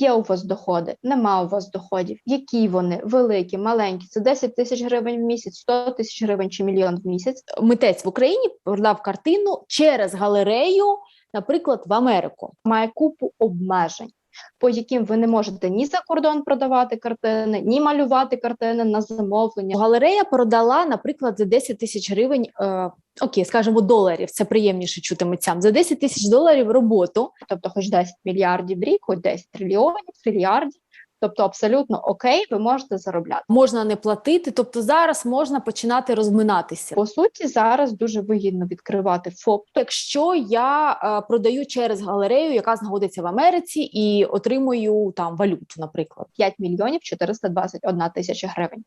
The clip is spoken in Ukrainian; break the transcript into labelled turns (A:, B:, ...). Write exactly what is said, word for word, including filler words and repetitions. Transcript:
A: Є у вас доходи, нема у вас доходів, які вони, великі, маленькі, це десять тисяч гривень в місяць, сто тисяч гривень чи мільйон в місяць. Митець в Україні продав картину через галерею, наприклад, в Америку. Має купу обмежень, по яким ви не можете ні за кордон продавати картини, ні малювати картини на замовлення. Галерея продала, наприклад, за десять тисяч гривень, е, окей, скажімо, доларів, це приємніше чути митцям, за десять тисяч доларів роботу, тобто хоч десять мільярдів в рік, хоч десять трильйонів, трильярдів, тобто абсолютно окей, ви можете заробляти. Можна не платити, тобто зараз можна починати розминатися. По суті, зараз дуже вигідно відкривати ФОП. Якщо я е, продаю через галерею, яка знаходиться в Америці, і отримую там валюту, наприклад, п'ять мільйонів чотириста двадцять одна тисяча гривень.